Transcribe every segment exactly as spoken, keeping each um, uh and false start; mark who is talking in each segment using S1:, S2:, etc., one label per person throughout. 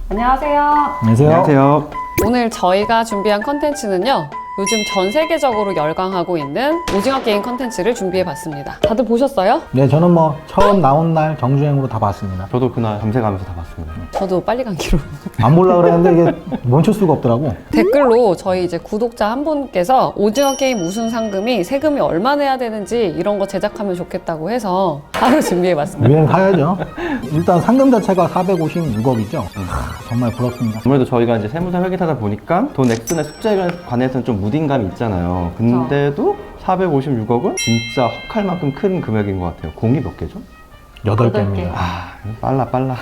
S1: 안녕하세요.
S2: 안녕하세요.
S3: 안녕하세요.
S1: 오늘 저희가 준비한 컨텐츠는요, 요즘 전 세계적으로 열광하고 있는 오징어 게임 컨텐츠를 준비해봤습니다. 다들 보셨어요?
S2: 네, 저는 뭐 처음 나온 날 정주행으로 다 봤습니다.
S3: 저도 그날 밤새가면서 다 봤습니다.
S1: 저도 빨리 감기로.
S2: 안 보려고 그랬는데 이게 멈출 수가 없더라고.
S1: 댓글로 저희 이제 구독자 한 분께서 오징어 게임 우승 상금이 세금이 얼마 내야 되는지 이런 거 제작하면 좋겠다고 해서 바로 준비해봤습니다.
S2: 유행 사야죠. 일단 상금 자체가 사백오십육억이죠. 하, 정말 부럽습니다.
S3: 아무래도 저희가 이제 세무사 회계사다 보니까 돈 액수나 숫자에 관해서는 좀 무딘감이 있잖아요. 근데도 사백오십육억은 진짜 헉할 만큼 큰 금액인 것 같아요. 공이 몇 개죠?
S2: 여덟
S1: 여덟 개.
S2: 개입니다.
S3: 아, 빨라 빨라.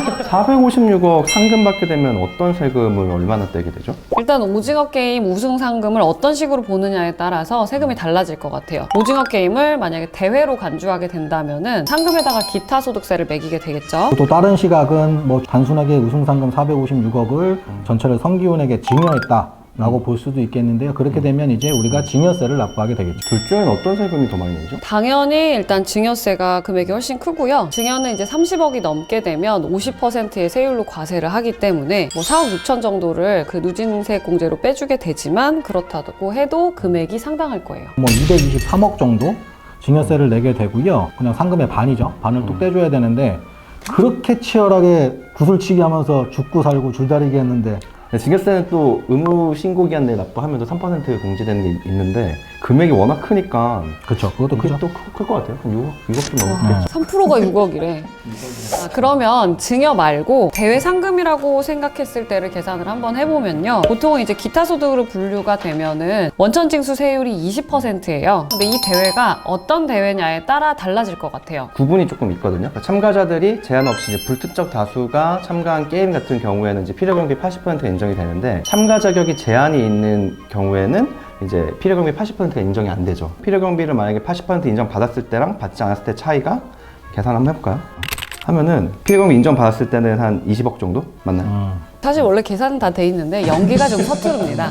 S3: 사백오십육억 상금 받게 되면 어떤 세금을 얼마나 떼게 되죠?
S1: 일단 오징어 게임 우승 상금을 어떤 식으로 보느냐에 따라서 세금이 달라질 것 같아요. 오징어 게임을 만약에 대회로 간주하게 된다면은 상금에다가 기타 소득세를 매기게 되겠죠.
S2: 또 다른 시각은 뭐 단순하게 우승상금 사백오십육억을 전체를 성기훈에게 증여했다 라고 볼 수도 있겠는데요. 그렇게 되면 이제 우리가 증여세를 납부하게 되겠죠.
S3: 둘 중에는 어떤 세금이 더 많이 내죠?
S1: 당연히 일단 증여세가 금액이 훨씬 크고요. 증여는 이제 삼십억이 넘게 되면 오십 퍼센트의 세율로 과세를 하기 때문에 뭐 사억 육천 정도를 그 누진세 공제로 빼주게 되지만 그렇다고 해도 금액이 상당할 거예요.
S2: 뭐 이백이십삼억 정도 증여세를 내게 되고요. 그냥 상금의 반이죠. 반을 뚝 떼줘야 되는데 그렇게 치열하게 구슬치기 하면서 죽고 살고 줄다리기 했는데
S3: 증여세는 또 의무 신고 기한 내에 납부하면 또 삼 퍼센트 공제되는 게 있는데 금액이 워낙 크니까
S2: 그렇죠. 그것도
S3: 이게
S2: 크죠.
S3: 또 클 것 같아요. 한 육억, 육억 좀 넘겠죠.
S1: 삼 퍼센트가 육억이래. 아, 그러면 증여 말고 대외 상금이라고 생각했을 때를 계산을 한번 해보면요. 보통 이제 기타 소득으로 분류가 되면은 원천 징수 세율이 이십 퍼센트예요. 근데 이 대회가 어떤 대회냐에 따라 달라질 것 같아요.
S3: 구분이 조금 있거든요. 그러니까 참가자들이 제한 없이 이제 불특정 다수가 참가한 게임 같은 경우에는 이제 필요경비 팔십 퍼센트가 인정이 되는데 참가 자격이 제한이 있는 경우에는 이제 필요경비 팔십 퍼센트가 인정이 안 되죠. 필요경비를 만약에 팔십 퍼센트 인정 받았을 때랑 받지 않았을 때 차이가 계산 한번 해볼까요? 하면은 필요경비 인정 받았을 때는 한 이십억 정도 맞나요?
S2: 음.
S1: 사실 원래 계산은 다 돼 있는데 연기가 좀 서투릅니다.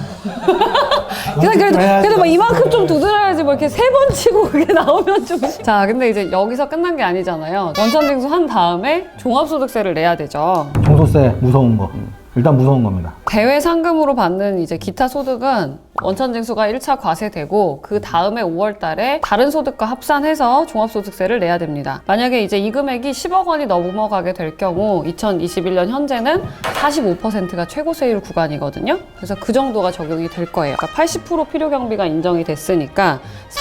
S1: 그냥 그래도, 그래도 막 이만큼 좀 두드려야지 뭐 이렇게 세 번 치고 그게 나오면 좀. 자, 근데 이제 여기서 끝난 게 아니잖아요. 원천징수 한 다음에 종합소득세를 내야 되죠.
S2: 종소세 무서운 거. 일단 무서운 겁니다.
S1: 대외 상금으로 받는 이제 기타 소득은 원천징수가 일 차 과세되고 그 다음에 오월 달에 다른 소득과 합산해서 종합소득세를 내야 됩니다. 만약에 이제 이 금액이 십억 원이 넘어가게 될 경우 이천이십일 년 현재는 사십오 퍼센트가 최고세율 구간이거든요. 그래서 그 정도가 적용이 될 거예요. 그러니까 팔십 퍼센트 필요경비가 인정이 됐으니까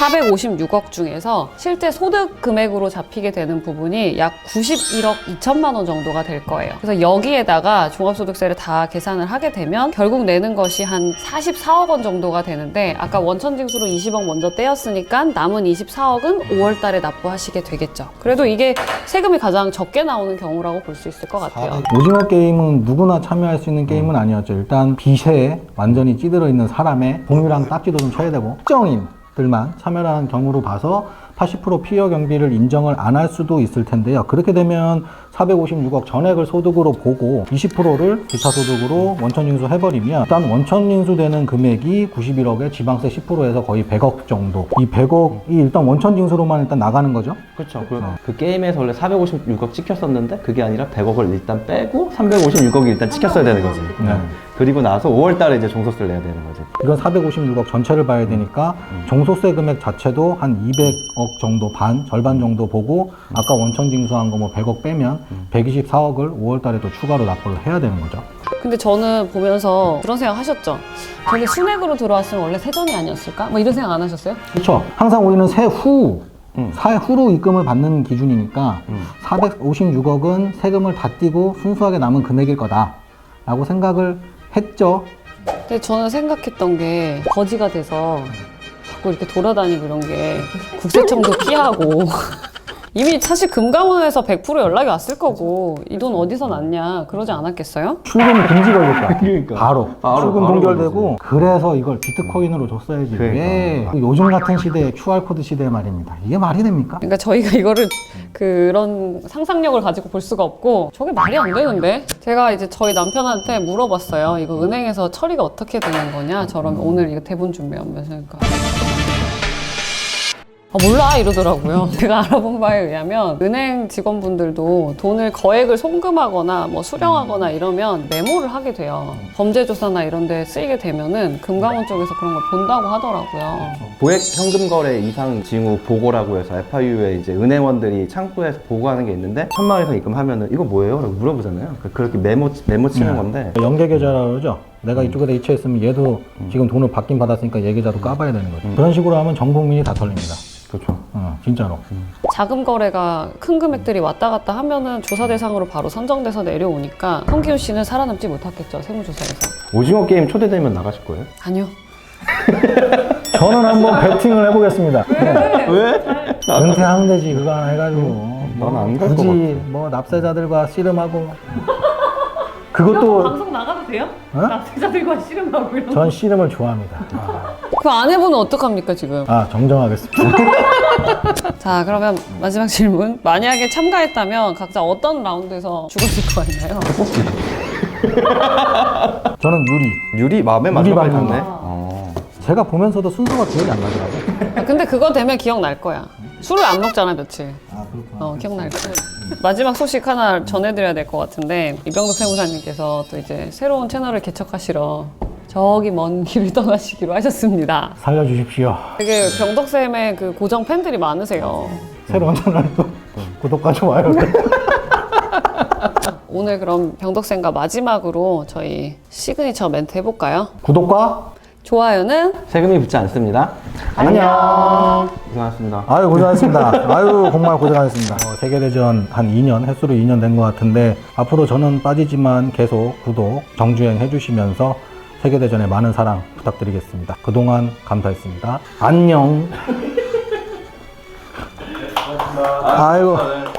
S1: 사백오십육억 중에서 실제 소득 금액으로 잡히게 되는 부분이 약 구십일억 이천만 원 정도가 될 거예요. 그래서 여기에다가 종합소득세를 다 계산을 하게 되면 결국 내는 것이 한 사십사억 원 정도가 되는데 아까 원천징수로 이십억 먼저 떼었으니까 남은 이십사억은 오월 달에 납부하시게 되겠죠. 그래도 이게 세금이 가장 적게 나오는 경우라고 볼 수 있을 것 같아요.
S2: 오징어 게임은 누구나 참여할 수 있는 게임은 아니었죠. 일단 빚에 완전히 찌들어 있는 사람의 동유랑 딱지도 좀 쳐야 되고 특정인들만 참여하는 경우로 봐서 팔십 퍼센트 피해 경비를 인정을 안 할 수도 있을 텐데요. 그렇게 되면 사백오십육억 전액을 소득으로 보고 이십 퍼센트를 기타 소득으로 원천징수 해버리면 일단 원천징수 되는 금액이 구십일억에 지방세 십 퍼센트에서 거의 백억 정도. 이 백억이 일단 원천징수로만 일단 나가는 거죠.
S3: 그렇죠. 그, 그 게임에서 원래 사백오십육억 찍혔었는데 그게 아니라 백억을 일단 빼고 삼백오십육억이 일단 찍혔어야 되는 거지.
S2: 네.
S3: 그리고 나서 오월 달에 이제 종소세를 내야 되는 거지.
S2: 이건 사백오십육억 전체를 봐야 되니까 종소세 금액 자체도 한 이백억 정도 반, 절반 정도 보고 아까 원천징수한 거 뭐 백억 빼면 백이십사억을 오월 달에 또 추가로 납부를 해야 되는 거죠.
S1: 근데 저는 보면서 그런 생각 하셨죠? 저게 순액으로 들어왔으면 원래 세전이 아니었을까? 뭐 이런 생각 안 하셨어요?
S2: 그렇죠. 항상 우리는 세후,
S3: 음.
S2: 사후로 입금을 받는 기준이니까
S3: 음.
S2: 사백오십육억은 세금을 다 떼고 순수하게 남은 금액일 거다 라고 생각을 했죠.
S1: 근데 저는 생각했던 게 거지가 돼서 자꾸 이렇게 돌아다니고 이런 게 국세청도 피하고 이미 사실 금감원에서 백 퍼센트 연락이 왔을 거고 이 돈 어디서 났냐 그러지 않았겠어요?
S2: 출금 금지 걸릴 것 같아요.
S3: 그러니까.
S2: 바로,
S3: 바로,
S2: 출금
S3: 바로
S2: 동결되고 그래서 이걸 비트코인으로 줬어야지.
S3: 그러니까.
S2: 왜 요즘 같은 시대에 큐알코드 시대 말입니다. 이게 말이 됩니까?
S1: 그러니까 저희가 이거를 그런 상상력을 가지고 볼 수가 없고 저게 말이 안 되는데 제가 이제 저희 남편한테 물어봤어요. 이거 은행에서 처리가 어떻게 되는 거냐? 저런 오늘 이거 대본 준비하면서 그러니까 아, 몰라 이러더라고요. 제가 알아본 바에 의하면 은행 직원분들도 돈을 거액을 송금하거나 뭐 수령하거나 이러면 메모를 하게 돼요. 범죄 조사나 이런 데 쓰이게 되면은 금감원 쪽에서 그런 걸 본다고 하더라고요.
S3: 고액 현금 거래 이상 징후 보고라고 해서 에프아이유에 이제 은행원들이 창구에서 보고하는 게 있는데 천만 원 이상 입금하면은 이거 뭐예요? 라고 물어보잖아요. 그렇게 메모 메모 치는
S2: 네.
S3: 건데
S2: 연계 계좌라고 그러죠. 내가 이쪽에다 이체했으면 얘도 지금 돈을 받긴 받았으니까 얘 계좌도 까봐야 되는 거죠. 그런 식으로 하면 전 국민이 다 털립니다.
S3: 그렇죠.
S2: 어, 진짜로.
S1: 자금 거래가 큰 금액들이 왔다 갔다 하면은 조사 대상으로 바로 선정돼서 내려오니까 성기훈 씨는 살아남지 못했겠죠, 세무조사에서.
S3: 오징어 게임 초대되면 나가실 거예요?
S1: 아니요.
S2: 저는 한번 배팅을 해보겠습니다. 네.
S3: 왜?
S2: 은퇴하면 되지 그거 하나 해가지고.
S3: 난 안 갈 것
S2: 굳이
S3: 같아.
S2: 뭐 납세자들과 씨름하고. 그것도
S1: 방송 나가도 돼요?
S2: 어?
S1: 납세자들과 씨름하고 이런.
S2: 전 씨름을 좋아합니다. 아,
S1: 그 아내분은 어떡합니까 지금?
S2: 아 정정하겠습니다.
S1: 자, 그러면 마지막 질문. 만약에 참가했다면 각자 어떤 라운드에서 죽었을 것 같나요?
S2: 저는 유리.
S3: 유리 마음에 맞는
S2: 유리
S3: 거
S2: 받는
S3: 같네.
S2: 거.
S3: 어.
S2: 제가 보면서도 순서가 기억이 안 나더라고요.
S1: 아, 근데 그거 되면 기억날 거야. 술을 안 먹잖아, 며칠.
S2: 아 그렇구나.
S1: 어, 기억날 거야. 마지막 소식 하나 전해드려야 될 것 같은데, 이병덕 세무사님께서 또 이제 새로운 채널을 개척하시러 저기 먼 길을 떠나시기로 하셨습니다.
S2: 살려주십시오.
S1: 되게 병덕쌤의 그 고정 팬들이 많으세요.
S2: 새로운 채널도 구독과 좋아요.
S1: 오늘 그럼 병덕쌤과 마지막으로 저희 시그니처 멘트 해볼까요?
S2: 구독과
S1: 좋아요는
S3: 세금이 붙지 않습니다. 안녕. 고생하셨습니다.
S2: 아유 고생하셨습니다. 아유 정말 고생하셨습니다. 어, 세계대전 한 이 년, 횟수로 이 년 된 것 같은데 앞으로 저는 빠지지만 계속 구독, 정주행 해주시면서 세계대전에 많은 사랑 부탁드리겠습니다. 그동안 감사했습니다. 안녕. 아이고.